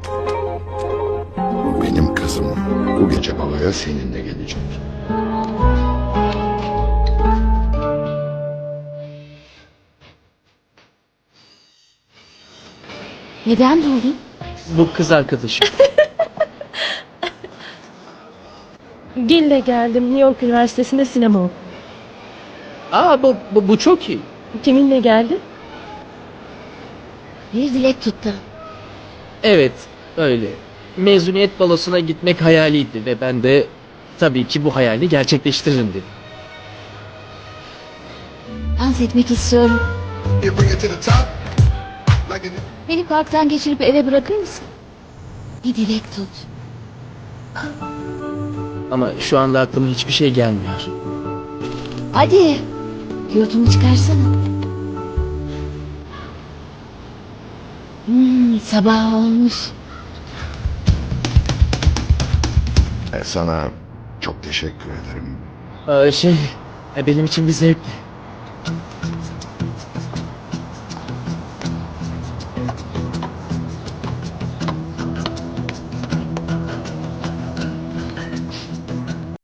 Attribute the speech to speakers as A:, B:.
A: Bu benim kızım. Bu gece baloya seninle gelecek.
B: Neden durdun?
C: Bu kız arkadaşım.
D: Gil'le geldim. New York Üniversitesi'nde sinema okudum.
C: Aa bu çok iyi.
D: Kiminle geldin?
B: Bir dilek tuttu.
C: Evet öyle. Mezuniyet balosuna gitmek hayaliydi ve ben de tabii ki bu hayali gerçekleştiririm dedim.
B: Dans etmek istiyorum.
A: You bring it to the top. Like it.
B: Beni parktan geçirip eve bırakır mısın? Bir dilek tut.
C: Ama şu anda aklıma hiçbir şey gelmiyor.
B: Hadi. Kiyotumu çıkarsana. Sabah olmuş.
A: Sana çok teşekkür ederim.
C: Benim için bir zevkti.